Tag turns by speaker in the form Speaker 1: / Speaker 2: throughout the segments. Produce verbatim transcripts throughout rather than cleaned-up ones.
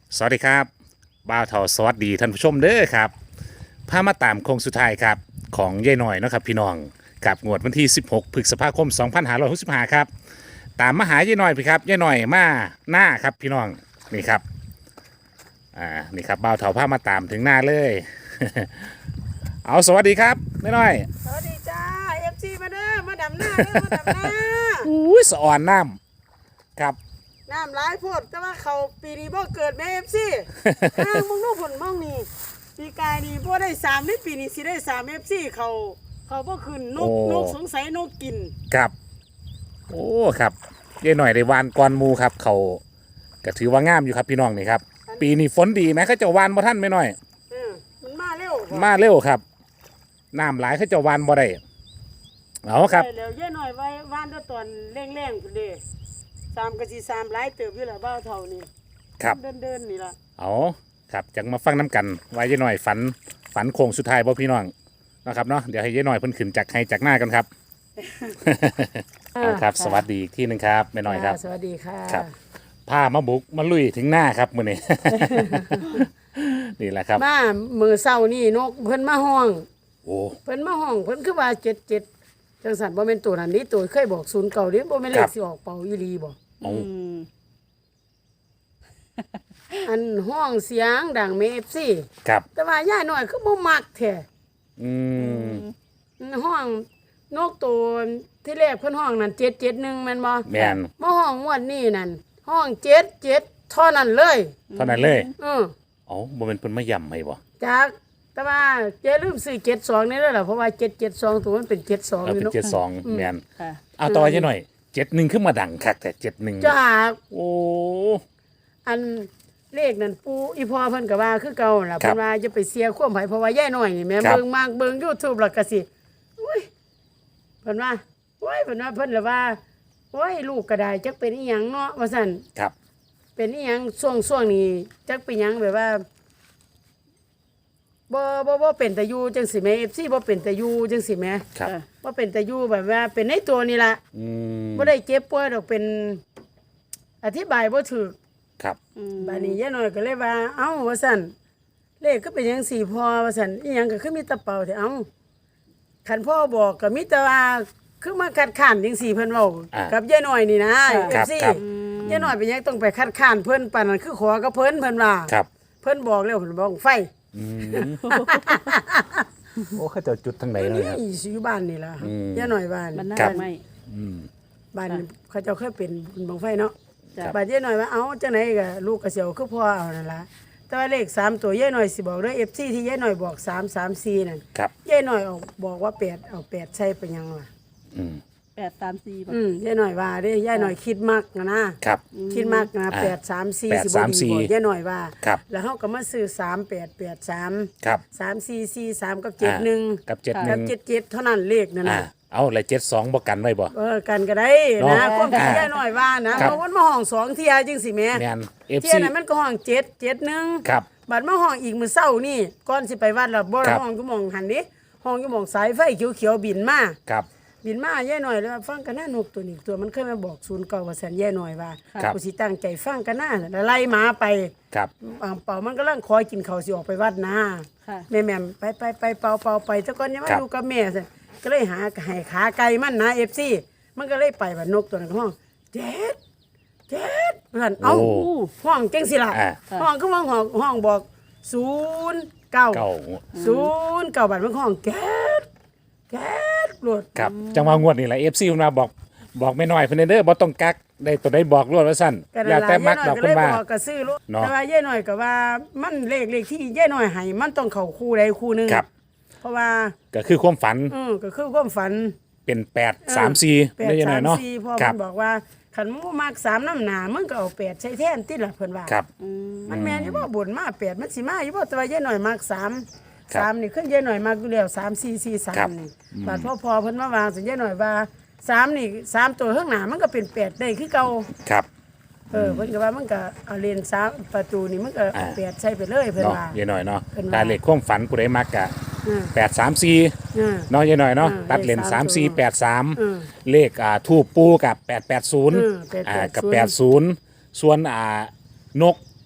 Speaker 1: สวัสดีครับบ่าวเทาสวัสดีท่านผู้ชมเด้อครับพามาตามโค้งสุดท้ายครับของยายหน่อยเนาะครับพี่น้องกับงวดวันที่สิบหกพฤษภาคมสองพันห้าร้อยหกสิบห้าครับตามมาหายายหน่อยพี่ครับยายหน่อยมาหน้าครับพี่น้องนี่ครับอ่านี่ครับบ่าวเทาพามาตามถึงหน้าเลย เอาสวัสดีครับยายหน่อย
Speaker 2: สวัสดีจ้าเอฟซีมาเด้อมาดำหน้าเด้อมาดำหน้า
Speaker 1: อุ้ยสะอ่อนน้ำครับ
Speaker 2: น้ำร้ายโพดแต่ว่าเขาปีนี้บ่เกิดแม่เอฟซีห้างมึงรู้ผลมั่งนี่ปีกายนี่บ่ได้สามนี่ปีนี้สิได้สามเอฟซีเขาเขาบ่ขึ้นนกนกสงสัยนกกิน
Speaker 1: ครับโอ้ครับยายหน่อยได้วานกอนหมูครับเขาก็ถือว่างามอยู่ครับพี่น้องนี่ครับปีนี้ฝนดีไหมเขาเจะวานบ่ท่านไม่น้อย
Speaker 2: เออมันมาเร็วบ่
Speaker 1: มาเร็วครับน้ำหลายเขาเจะวานบ่ได้เอาครับ
Speaker 2: ได้แล้วเย่หน่อยไว้วานด้วยตอนแรงๆพุ่นเด้สามกะสิสามหลายเติบอยู่ล่ะบ้าวเฒ่านี่
Speaker 1: ครับ
Speaker 2: เดินๆนี่ล่ะ
Speaker 1: เอาครับจังมาฟังน้ำกันไว้ยายหน่อยฝันฝันโค้งสุดท้ายบ่พี่น้องนะครับเนาะเดี๋ยวให้ยายหน่อยเพิ่นขึ้นจากให้จากหน้ากันครับ เอาครับสวัสดีอีกที่หนึงครับแม่น้อยครับ
Speaker 2: สวัสดีค่ะ
Speaker 1: ครับ พามาบุกมาลุยถึงหน้าครับมื้อนี้ นี่แหละครับ
Speaker 2: มามือเศร้านี่นกเพิ่นมาห้อง
Speaker 1: โอ้
Speaker 2: เพิ่นมาห้องเพิ่นคือว่าเจ็ดเจ็ดจังสันบ่แม่นตัวนั้นนี่ตัวเคยบอกศูนย์เก่าดิบ่แม่นเล
Speaker 1: ครั
Speaker 2: ข
Speaker 1: บ
Speaker 2: สิออกเป่าอีหลีบ่
Speaker 1: เอา
Speaker 2: อันห้องเสียงดังเม เอฟ ซี
Speaker 1: ครับ
Speaker 2: แต่ว่าย่าน้อยคือบ่มักแท้
Speaker 1: อืม
Speaker 2: ห้องนกตัวที่แรกเพิ่นห้องนั่นเจ็ดเจ็ดหนึ่งแม่นบ่
Speaker 1: แม่น
Speaker 2: มาห้องงวดนี้นั่นห้องเจ็ดเจ็ดเท่านั้นเลย
Speaker 1: เท่านั้นเลย
Speaker 2: เออ
Speaker 1: เอาบ่เป็นเพิ่นมาย่ำให้บ่
Speaker 2: จากแต่ว่าอย่าลืมซื้อเจ็ดสองนี่เด้อล่ะเพราะว่าเจ็ดเจ็ดสองตัวมันเป็นเจ็ดสอง
Speaker 1: เอา
Speaker 2: อยู่
Speaker 1: เป็น
Speaker 2: เนาะ
Speaker 1: เจ็ดสองแม่น
Speaker 3: ค่ะ
Speaker 1: เอาต่อจังหน่อยเจ็ดหนึ่งขึ้นมาดังคักแต่เจ็ดหนึ่ง
Speaker 2: จาก
Speaker 1: โอ้
Speaker 2: อันเลขนั่นปูอีพ่อเพิ่นก็ว่าคือเก่าล่ะเพิ่นว่าจะไปเสียความไผเพราะว่าย่าน้อยนี่แม่เบิ่งมากเบิ่ง YouTube แล้วก็สิอุ้ยเพิ่นว่าโอ้ยเพิ่นว่าเพิ่นละว่าโอ้ยลูกก็ได้จักเป็นอีหยังเนาะว่าซั่น
Speaker 1: ครับ
Speaker 2: เป็นอีหยังช่วงช่วงนี้จักเป็นหยังแบบว่าบ่บ่บ่เป็นตาอยู่จังสิแม่ เอฟ ซี บ่เป็นตาอยู่จังสิแม่
Speaker 1: ครับ
Speaker 2: บ่เป็นตาอยู่แบบว่าเป็นในตัวนี่ล่ะ
Speaker 1: อืม
Speaker 2: บ่ได้เจ็บป่วยดอกเป็นอธิบายบ่ถูก
Speaker 1: ครับ
Speaker 2: บัดนี้ย่าน้อยก็เลยว่า เอ้าว่าซั่นเลขก็เป็นจังสี่พอว่าซั่นอีหยังก็คือมีแตะเป่าแต่เอ้าคันพ่อบอกก็มีแต่ว่าคือมาคัดค้านจังสี่เพิ่นเว้า
Speaker 1: อ่า
Speaker 2: กับย่าน้อยนี่นะ
Speaker 1: ค
Speaker 2: เอ
Speaker 1: รั
Speaker 2: ฟ
Speaker 1: บ
Speaker 2: ซี
Speaker 1: ครับ
Speaker 2: ย่าน้อยเป็นหยังต้องไปคัดค้านเพิ่นปานนั้นคือขอกับเพิ่นเพิ่นว่า
Speaker 1: ครับ
Speaker 2: เพิ่นบอกแล้วเพิ่นบอกไฟ
Speaker 1: อืมโอ้เขาเจะจุดทางไหนเลยครับ
Speaker 2: นี่สิอยู่บ้านนี่ล่ะ
Speaker 1: อืม
Speaker 2: ย่าน้อยบ้าน
Speaker 3: มันน่า
Speaker 1: ครับ
Speaker 3: ไม่
Speaker 1: อืม
Speaker 2: บ้านเขาเจ้าเคยเป็นบุญบังไฟเนาะ
Speaker 3: จ้ะ
Speaker 2: บาดย่าน้อยว่าเอ้าจังไหนก็ลูกก็สิเอาคือพ่อเอานั่นล่ะแต่ว่าเลขสามตัวย่าน้อยสิบอกเด้อ เอฟ ซี ที่ย่าน้อยบอกสาม สาม สี่นั่น
Speaker 1: ครับ
Speaker 2: ย่าน้อยเอาบอกว่าแปดเอาแปดใส่ไปหยังวะ
Speaker 1: อืม
Speaker 3: แปดสามสี่
Speaker 2: อืมย่าน้อยว่าเด้ย่าน้อยคิดมักนะนะครับ คิดมักนะ
Speaker 1: อ่า
Speaker 2: แปด สาม สี่
Speaker 1: แปด
Speaker 2: สิบ่
Speaker 1: สาม
Speaker 2: ดี
Speaker 1: สี่
Speaker 2: บ่ย่าน้อยว่า
Speaker 1: ครับ
Speaker 2: แล้วเฮาก็มาซื้อสาม แปด แปด สาม
Speaker 1: ครับ
Speaker 2: สาม สี่ สี่ สามกับเจ็ดหนึ่ง
Speaker 1: กับเจ็ดห
Speaker 2: กั
Speaker 1: นึ่
Speaker 2: บ
Speaker 1: ง
Speaker 2: เจ็ดเจ็ดเท่านั้นเลขนั่น
Speaker 1: อ่า
Speaker 2: น่ะ
Speaker 1: เอาเลยเจ็ดสองบ่กันไว้บ่
Speaker 2: เออกันก็ได้
Speaker 1: เนาะ
Speaker 2: นะความคิด
Speaker 1: อ่า
Speaker 2: ย่าน้อยว่านะครับ เพราะมันมาห้องสองเที่ยจังสิแม่
Speaker 1: แมนเอฟ
Speaker 2: เที่ย
Speaker 1: ซี
Speaker 2: นั้นมันก็ห้องเจ็ด เจ็ดหนึ่ง
Speaker 1: ครับ
Speaker 2: บัดมาห้องอีกมื้อเช้านี่ก่อนสิไปวัดแล้วบ่
Speaker 1: ครับ
Speaker 2: ห้องอยู่หม่องหันนี่ห้องอยู่หม่องสายไฟเขียวๆบินมา
Speaker 1: ครับ
Speaker 2: บินมาแย่หน่อยแล้วาฟังกันหน้านกตัวนี้ตัวมันเคยมาบอกศูนย์เก่าว่าแสนแย่หน่อยว่า
Speaker 1: ครับ
Speaker 2: กูสิตั้งใจฟังกันหน้าแล้วไล่หมาไป
Speaker 1: ครับ
Speaker 2: อ่าเป่ามันก็ลังคอยกินข้าวสิออกไปวัดนะ
Speaker 3: ค่ะ
Speaker 2: แม่แม่มไปไปไปเป่าเป่าไปแต่ก่อนยังมา
Speaker 1: ครับ
Speaker 2: อยู่กับแม่ซั่นก็เลยหาให้ขาไก่มันนะ เอฟ ซี มันก็เลยไปบัดนกตัวนั้นก็ห้องเจ็ดเจ็ดเพิ่นเอ้า
Speaker 1: โอ้
Speaker 2: ห้องจังสิล่ะ
Speaker 1: อ่า
Speaker 2: ห้องก็ห้องห้องห้องบอกศูนย์เก้า
Speaker 1: เก้า
Speaker 2: ศูนย์เก้าบัดมันห้องแก๊สแก๊สโลด
Speaker 1: ครับจังหวะงวดนี่แหละเอฟซีมาบอกบอกไม่น้อยเพิ่นเด้อบ่ต้องกักได้ตัวได้บอกรวดว่าซั่น
Speaker 2: กัน
Speaker 1: อย่า
Speaker 2: นั่น
Speaker 1: แต่
Speaker 2: ล่ะ
Speaker 1: มัก
Speaker 2: ย่า
Speaker 1: ด
Speaker 2: น้
Speaker 1: อ
Speaker 2: อก ยก็
Speaker 1: เพิ่
Speaker 2: เลย
Speaker 1: น
Speaker 2: บ
Speaker 1: ว่า
Speaker 2: อกก็ซื้อลูก
Speaker 1: เนาะ
Speaker 2: แต่ว่าย่าน้อยก็ว่ามันเลขเลขที่ย่าน้อยให้มันต้องเข้าคู่ใดคู่หนึง
Speaker 1: ครับ
Speaker 2: เพราะว่า
Speaker 1: ก็คือความฝัน
Speaker 2: อือก็คือความฝัน
Speaker 1: เป็นแปดสามสี่
Speaker 2: แปด
Speaker 1: ได้ยังไง
Speaker 2: สาม
Speaker 1: เนาะ
Speaker 2: สี่พ่อ
Speaker 1: ครั
Speaker 2: มันบอกว่าคันหมู่มักสามน้ำหนามึงก็เอาแปดใช้แทนติล่ะเพิ่นว่า
Speaker 1: ครับ
Speaker 2: มันแม่นอยู่บ่บ่นมาแปดมันสิมาอยู่บ่แต่ว่าย่าน้อยมักสาม
Speaker 1: ครับ
Speaker 2: สามนี่ขึ้นย่าน้อยมักอยู่แล้วสามสี่สี่สา
Speaker 1: ครั
Speaker 2: ม
Speaker 1: บ
Speaker 2: นี่บาดพ่อพอเพิ่นมาวางสิย่าน้อยว่าสามนี่สามตัวข้างหน้ามันก็เป็นแปดได้คือเก่า
Speaker 1: ครับ
Speaker 2: เออเพิ่นก็ว่ามันก็เอาเลนสามประตูนี่มันก็
Speaker 1: อ่า
Speaker 2: เปียดใส่ไปเลยเพิ่น
Speaker 1: เนาะ
Speaker 2: ว่า
Speaker 1: ยายหน่อยเนาะ
Speaker 2: เพิ่นว่า
Speaker 1: ตาเลขความฝันผู้ใดมักกะ
Speaker 2: อืม
Speaker 1: แปดสามสี่
Speaker 2: อืม
Speaker 1: เนาะยายหน่อยเนาะ
Speaker 2: อืม
Speaker 1: ตัดเลน
Speaker 2: เลข
Speaker 1: สาม
Speaker 2: สาม
Speaker 1: สี่
Speaker 2: ตัว
Speaker 1: แปดสาม
Speaker 2: อืม
Speaker 1: เลขอ่าทูปปูกับแปดแปดศูนย์
Speaker 2: อืมแปดแปดศูนย์
Speaker 1: อ่ากับแปดศูนย์ส่วนอ่านก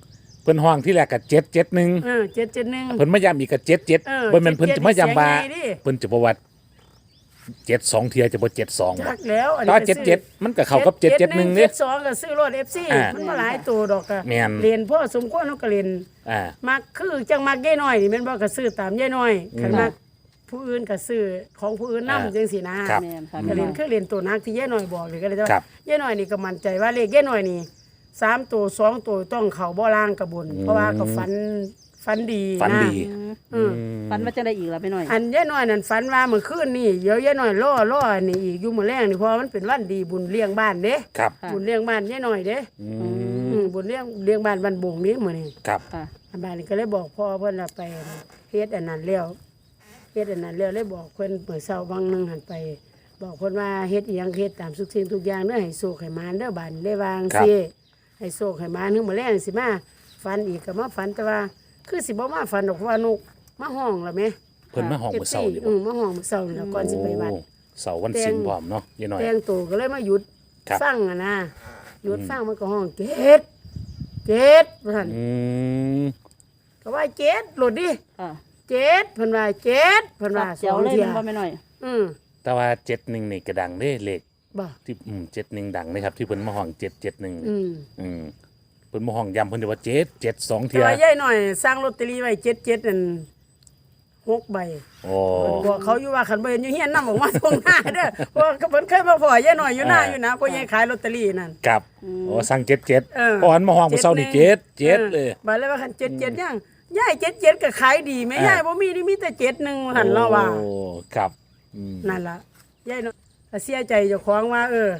Speaker 1: เพิ่นห้องที่แรกก็เจ็ดเจ็ดหนึ่ง
Speaker 2: เออเจ็ดเจ็ดหนึ่ง
Speaker 1: เพิ่นมาย้ำอีกก็เจ็ดเจ็ด
Speaker 2: เออ
Speaker 1: บ่แม่นเพิ่นจะมาย้ำว่า
Speaker 2: เจ็ดเจ็ดนี่เสียงใหญ่ดิ
Speaker 1: เพิ่นจะบอกว่าเจ็ดสองเทียจะบ่เจ็ดสอง
Speaker 2: จักแล้วอัน
Speaker 1: ถ้า
Speaker 2: นี้
Speaker 1: เจ็ดเจ็ดมันก็เข้ากับเจ็ดเจ็ดหนึ่ง
Speaker 2: เจ็
Speaker 1: นี่
Speaker 2: ดสองก็ซื้อรถ เอฟ ซี
Speaker 1: อ่ามั
Speaker 2: มันบ่หลายตัวดอกก็
Speaker 1: แม่น
Speaker 2: เรียนพ่อสมควรเฮาก็เรียน
Speaker 1: อ่า
Speaker 2: มักคือจังมักยายน้อยนี่แม่นบ่ก็ซื้อตามยายน้อยคันมักผู้อื่นก็ซื้อของผู้อื่นนำ
Speaker 1: อ่า
Speaker 2: จังซี่นะครับ
Speaker 3: แม่นค่ะ
Speaker 2: ก็เรียนคือเรียนตัวนักที่ยายน้อยบอกเลยก็เลยว่า
Speaker 1: ครับ
Speaker 2: ยายน้อยนี่ก็มั่นใจว่าเลขยายน้อยนี่สามตัวสองตัวต้องเข้าบ่ล่างกระบุญเพราะว่าก็ฝันฝันดี
Speaker 1: ฝัน
Speaker 2: นะ
Speaker 1: ดี
Speaker 2: อืม
Speaker 3: ฝันว่าจะได้อีกแล้วไปหน่อย
Speaker 2: อันยายน้อยนั่นฝันว่าเมื่อคืนนี่เดี๋ยวยายน้อยล่อล่อนี่อีกอยู่มื้อแรงนี่เพราะว่ามันเป็นวันดีบุญเลี้ยงบ้านเด้
Speaker 1: ครับ
Speaker 3: ค่ะ
Speaker 2: บุญเลี้ยงบ้านยายน้อยเด้
Speaker 1: อืม
Speaker 2: อืมบุญเลี้ยงเลี้ยงบ้านบ้านบงนี้มื้อนี้
Speaker 1: ครับ
Speaker 3: ค่ะ
Speaker 2: อันบ้านนี้ก็เลยบอกพ่อเพิ่นว่าไปเฮ็ดอันนั้นแล้วเฮ็ดอันนั้นแล้วเลยบอกเพิ่นเมื่อเช้าบางนึงหันไป บอกเพิ่นว่าเฮ็ดอีหยังเฮ็ดตามทุกสิ่งทุกอย่างเด้อให้โชคให้หมานเด้อบ้านได้วางสิให้โชคให้หมานถึงมื้อแลงสิมาฝันอีกก็มาฝันแต่ว่าคือสิบ่มาฝันดอกเพราะว่านกมาห้องแล้วแหม
Speaker 1: เพิ่นมาห้องมื้อเช้านี่
Speaker 2: อื
Speaker 1: บ่
Speaker 2: มมาห้องมื้อเช้านี่แล้วก่อนสิไปวัด
Speaker 1: โอ้เสาร์วันศิลป์พร้อมเนาะยายน้อย
Speaker 2: แต่งตัวก็เลยมาหยุด
Speaker 1: ครับ
Speaker 2: ฟังอ่ะนะหยุดฟังมันก็ห้องเจ็ดเจ็ดว่าซั่น
Speaker 1: อืม
Speaker 2: ก็ว่าเจ็ดโหลดดิ
Speaker 3: ค่ะ
Speaker 2: เจ็ดเพิ่นว่าเจ็ดเพิ่นว่าส
Speaker 3: เจีย
Speaker 2: อ
Speaker 3: ว
Speaker 2: ง
Speaker 3: เลย
Speaker 2: เที่ย
Speaker 3: มันบ่ไปหน่อย
Speaker 2: อืม
Speaker 1: แต่ว่าเจ็ดหนึ่งนี่ก็ดังเด้เลข
Speaker 2: บ่
Speaker 1: ที่อืมเจ็ดหนึ่งดังนะครับที่เพิ่นมาห้องเจ็ดเจ็ดหนึ่ง
Speaker 2: อืม
Speaker 1: อืมเพิ่นมาห้องย้ำเพิ่นจะว่าเจ็ดเจ็ดสอง
Speaker 2: แต่
Speaker 1: เทีย
Speaker 2: ว่ายายหน่อยสร้างลอตเตอรี่ไว้เจ็ดเจ็ดนั่นหกใบ
Speaker 1: โอ้
Speaker 2: บอกเขาอยู่ว่าคันบ่เห็นอยู่เฮียนนำออกมาตรงหน้าเด้อเพราะว่าเพิ่นเคยมาพอยายหน่อยอยู่หน้าอยู่นะเพราะยายขายลอตเตอรี่นั่น
Speaker 1: กับโอ้สั่งเจ็ดเจ็ด
Speaker 2: เออ
Speaker 1: พอหันมาห้องมื้อเช้านี่เจ็ดเจ็ดเลย
Speaker 2: บัดเลยว่าคันเจ็ดเจ็ดยังยายเจ็ดเจ็ดก็ขายดีแม่ยายบ่มีนี่มีแต่เจ็ดหนึ่งหั่นเราว่า
Speaker 1: โอ้ครับอืม
Speaker 2: นั่นล่ะยายเนาะก็เสียใจเจ้าของว่า เออ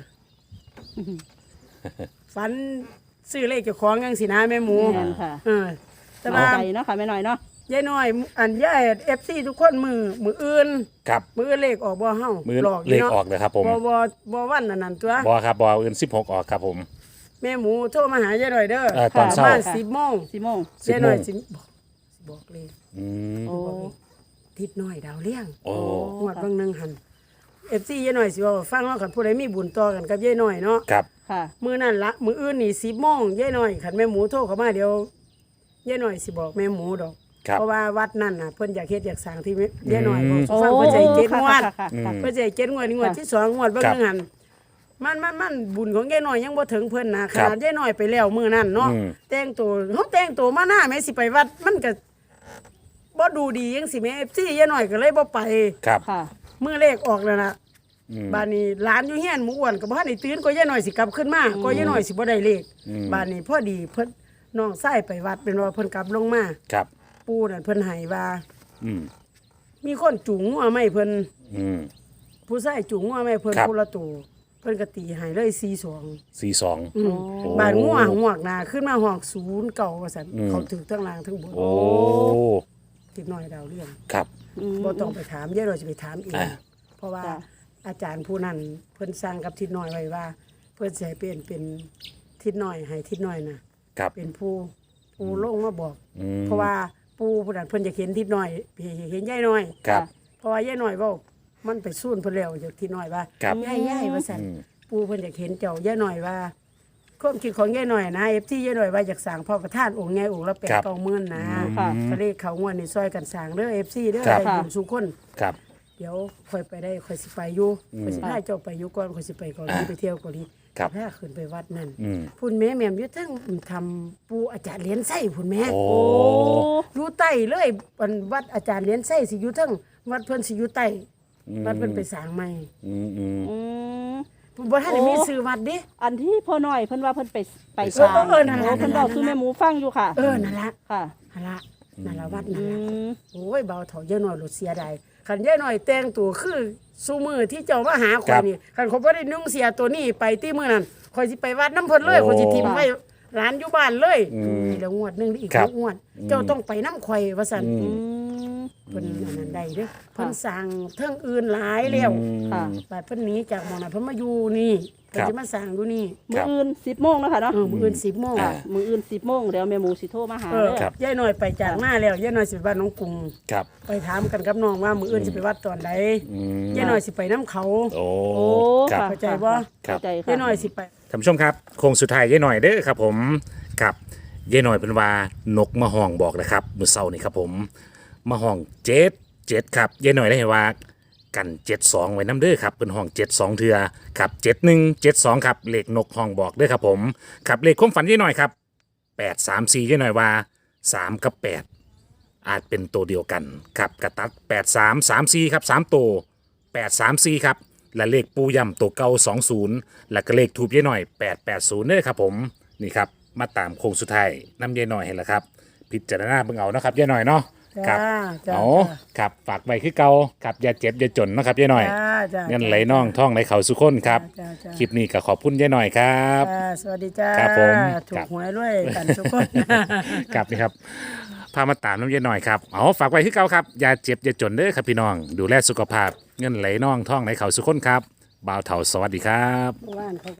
Speaker 2: ฝันซื้อเลขเจ้าของจังสินะแม่หมู
Speaker 3: แม่นค่ะ
Speaker 2: เออแต่
Speaker 3: เอา
Speaker 2: ว่า
Speaker 3: ใจเนาะค่ะไปหน่อยเนาะ
Speaker 2: ยายน้อย อันยาย เอฟ ซี ทุกคนมือมืออื่น
Speaker 1: ครับ
Speaker 2: มืออื่นเลขออกบ่เฮา
Speaker 1: มือ
Speaker 2: หลอก
Speaker 1: เลข
Speaker 2: นาะ
Speaker 1: ออกเลยครับผม
Speaker 2: บ่บ่บ่วันอันนั้นตัว
Speaker 1: บอครับบออื่นสิบหกออกครับผม
Speaker 2: แม่หมูโทรมาหายายน้อยเด้อ
Speaker 1: เออตอนเช้า
Speaker 2: ประมาณสิบโมง
Speaker 3: สี่โมง
Speaker 1: สิบ
Speaker 2: ยาย
Speaker 1: โม
Speaker 2: น้อย
Speaker 1: ง
Speaker 2: สิบอกสิบอกเลย
Speaker 1: อืม
Speaker 3: โอ้
Speaker 2: ทิศน้อยดาวเลี้ยง
Speaker 1: โอ้
Speaker 2: งวดบางหนึงหัน เอฟ ซี ยายน้อยสิเว้าฟังเนาะคันผู้ใดมีบุญต่อกันกับยายน้อยเนาะ
Speaker 1: ครับ
Speaker 3: ค่ะ
Speaker 2: มื้อนั้นละมื้ออื่นนี่สิบโมงยายน้อยคันแม่หมูโทรเข้ามาเดี๋ยวยายน้อยสิบอกแม่หมูดอก
Speaker 1: ครับ
Speaker 2: เพราะว่าวัดนั่นน่ะเพิ่นอยากเฮ็ดอยากสร้างที่ยายน้อยบอก
Speaker 3: โอ้
Speaker 2: ฟังเพิ่นใจเจ็ด
Speaker 3: ค่ะ
Speaker 2: งวด
Speaker 3: ค่ะค่ะค่ะ
Speaker 2: เพิ่นใจเจ็ดงวดนี่งวดที่สองงวดเบิ่ง
Speaker 1: ครับ
Speaker 2: นึงหันมันมันมันบุญของยายน้อยยังบ่ถึงเพิ่นนะข
Speaker 1: ครับ
Speaker 2: นาดยายน้อยไปแล้วมื้อนั้นเนาะ
Speaker 1: อืม
Speaker 2: แต่งตัวเฮาแต่งตัวมาหน้าแม่สิไปวัดมันก็บ่ดูดีจังสิแม่ เอฟ ซี ยายน้อยก็เลยบ่ไป
Speaker 1: ครับ
Speaker 3: ค่ะ
Speaker 2: มื้อเลขออกแล้วน่ะ
Speaker 1: อืม
Speaker 2: บ้านนี้หลานอยู่เฮียนหมู่อ้วนก็บ่ทันได้ตื่นก็ยายน้อยสิกลับขึ้นมาก็ยายน้อยสิบ่ได้เลข
Speaker 1: อืม
Speaker 2: บ้านนี้พอดีเพิ่นน้องชายไปวัดเป็นว่าเพิ่นกลับลงมา
Speaker 1: ครับ
Speaker 2: ปู่นั่นเพิ่นให้ว่า
Speaker 1: อืม
Speaker 2: มีคนจูงงัวไหมเพิ่น
Speaker 1: อืม
Speaker 2: ผู้ชายจูงงัวไหมเพิ่น
Speaker 1: ครับ
Speaker 2: ผู้ละตัวเพิ่นก็ตีให้เลยสี่สอง
Speaker 1: สี่สอง
Speaker 2: อืม
Speaker 1: โอ้
Speaker 2: บานงัวหวกหนาขึ้นมาหอกศูนย์เก่าว่าซั่น
Speaker 1: อืม
Speaker 2: เขาถึงทั้งล่างทั้งบน
Speaker 1: โอ้
Speaker 2: ติดน้อยดาวเรื่อง
Speaker 1: ครับ
Speaker 3: อืม
Speaker 2: บ่ต้องไปถามเดี๋ยวเราจะไปถามเอง
Speaker 1: อ่า
Speaker 2: เพราะว่า
Speaker 3: จ้ะ
Speaker 2: อาจารย์ผู้นั้นเพิ่นสั่งกับทิดน้อยไว้ว่า เพิ่นสิให้เปลี่ยนเป็นทิดน้อยให้ทิดน้อยน่ะ
Speaker 1: ครับ
Speaker 2: เป็นผู้ผู้ลงมาบอก
Speaker 1: อืม
Speaker 2: เพราะว่าปู่ผู้นั้นเพิ่นอยากเห็นทิดน้อยเห็นยายน้อย
Speaker 1: ครับ
Speaker 2: เพราะว่ายายน้อยเว้ามันไปสู้นเพิ่นแล้วจากทิดน้อยว่า
Speaker 1: ครับ
Speaker 2: ยายยายว่าซั่น
Speaker 1: อืม
Speaker 2: ปู่เพิ่นอยากเห็นเจ้ายายน้อยว่าความคิดของยายน้อยนะ เอฟ ซี ยายน้อยว่าอยากสร้างพ่อประธานองค์ใหญ่องค์ละแปด
Speaker 1: ครับ
Speaker 2: เก้าหมื่นนะ
Speaker 3: ค่ะ
Speaker 2: ก็เลยเขางวดนี่ซอยกันสร้างเด้อ เอฟ ซี เด้อ
Speaker 1: ครับ
Speaker 2: ได้บุญสุคน
Speaker 1: ครับ
Speaker 2: เดี๋ยวค่อยไปได้ค่อยสิไปอยู่
Speaker 1: อืม
Speaker 2: ค่อยสิพาเจ้าไปอยู่ก่อนค่อยสิไปเกาหลี
Speaker 1: อ่า
Speaker 2: ไปเที่ยวเกาหลี
Speaker 1: ครับ
Speaker 2: พาขึ้นไปวัดนั่น
Speaker 1: อืม
Speaker 2: พุ่นแม่แม่มอยู่ทั้งทำปู่อาจารย์เหรียญไส้พุ่นแม่
Speaker 1: โอ้
Speaker 3: โอ้
Speaker 2: อยู่ใต้เลยวันวัดอาจารย์เหรียญไส้สิอยู่ทั้งวัดเพิ่นสิอยู่ใต้
Speaker 1: อืม
Speaker 2: วัดเพิ่นไปสร้างใหม่
Speaker 1: อืมอืม
Speaker 3: อืม
Speaker 2: บ่ทันได้มี
Speaker 3: โอ้
Speaker 2: ชื่อวัดเด้
Speaker 3: อันที่พ่อน้อยเพิ่นว่าเพิ่นไปไป
Speaker 2: เออ
Speaker 3: สร้าง
Speaker 2: เออนั่นล่ะ
Speaker 3: โอ้เพิ่นบอกคือแม่หมูฟังอยู่ค่ะ
Speaker 2: เออนั่นละ
Speaker 3: ค่ะ
Speaker 2: นั่นละนั่นละวัดนั่
Speaker 3: อื
Speaker 2: นละ
Speaker 3: ม
Speaker 2: โอ้ยเบาเถาเยอะหน่อยหลุดเสียดายคันเยอะหน่อยแต่งตัวคือซูมือที่เจ้ามาหาค
Speaker 1: ครั
Speaker 2: อย
Speaker 1: บ
Speaker 2: นี่คันเขาบ่ได้นุ่งเสียตัวนี้ไปที่มื้อนั้นคอยสิไปวัดน้ำเพิ่นเลย
Speaker 1: โอ้
Speaker 2: คอยสิทิมไว้ร้านอยู่บ้านเลย
Speaker 1: อืม
Speaker 2: นี่ละงวดหนึงอีก
Speaker 1: ครับ
Speaker 2: งวด เจ้าต้องไปน้ำข่อยว่าซั่น
Speaker 1: อื
Speaker 3: อืม
Speaker 2: เพิ่นอันนั้นได้เด้อเพิ่นสั่งเทิงอื่นหลายแล้ว
Speaker 1: อืม
Speaker 3: ค่ะ
Speaker 2: บัดเพิ่นหนีจากหม่องนั้นเพิ่นมาอยู่นี่เพิ่น
Speaker 1: ครับ
Speaker 2: สิมาสั่งอยู่นี่
Speaker 3: มื้ออื่นสิบโมงแล้วค่ะเนาะ
Speaker 2: เออมื้ออื่นสิบโมง
Speaker 1: อ่า
Speaker 3: มื้ออื่นสิบโมงเดี๋ยวแม่หมูสิโทรมาหา
Speaker 2: เออ
Speaker 3: เด้อ
Speaker 1: ครับ
Speaker 2: ยายน้อยไปจากมาแล้วยายน้อยสิไปบ้านน้องกรุง
Speaker 1: ครับ
Speaker 2: ไปถามกันกับน้องว่ามื้ออื่นสิไปวัดตอนใด
Speaker 1: อืม
Speaker 2: ยายน้อยสิไปน้ำเขา
Speaker 1: โอ้
Speaker 3: โอ้
Speaker 1: ครับ
Speaker 3: ค่ะ
Speaker 2: เข้าใจบ่
Speaker 1: ครับ
Speaker 3: เข้าใจค่ะ
Speaker 2: ยายน้อยสิไป
Speaker 1: ท่านผู้ชมครับโค้งสุดท้ายยายหน่อยเด้อครับผมกับยายหน่อยเป็นว่านกมาห้องบอกนะครับมื้อเช้านี่ครับผมมาห้องเจ็ดเจ็ดครับยายหน่อยได้ให้ว่ากันเจ็ดสองไว้น้ำเด้อครับเป็นห้องเจ็ดสองเทือครับเจ็ดหนึ่งเจ็ดสองครับเลขนกห้องบอกเด้อครับผมครับเลขความฝันยายหน่อยครับแปดสามสี่ยายหน่อยว่าสามกับแปดอาจเป็นตัวเดียวกันครับกระตัดแปดสามสามสี่ครับสามตัวแปดสามสี่ครับและเลขปูย่ำตัวเก่าสองศูนย์และก็เลขทูบยายหน่อยแปดแปดศูนย์เด้อครับผมนี่ครับมาตามโค้งสุดท้ายน้ำยายหน่อยเห็นแล้วครับพิจารณาเบิ่งเอานะครับยายหน่อยเนาะค
Speaker 2: จ้า
Speaker 1: รับ
Speaker 2: จ้า
Speaker 1: เอาครับฝากไว้คือเก่าครับอย่าเจ็บอย่าจนนะครับยายหน่อย
Speaker 2: จ้าจ้า
Speaker 1: เงินไหลน่องท่องไหลเขาสุขคนครับ
Speaker 2: จ้าจ้า
Speaker 1: คลิปนี้ก็ขอบคุณยายหน่อยครับ
Speaker 2: จ้าสวัสดีจ้า
Speaker 1: ครับผม
Speaker 2: ถู
Speaker 1: ครั
Speaker 2: ก
Speaker 1: บ
Speaker 2: หวยด้วยกันทุกคน
Speaker 1: ครับนี่ครับพามาตามน้ำยายหน่อยครับเอาฝากไว้คือเก่าครับอย่าเจ็บอย่าจนเด้อครับพี่น้อง ดูแลสุขภาพเงินไหลน่องท่องไหลเขาสุขคนครับบ่าวเถาสวัสดีครับ
Speaker 2: บ้านเขา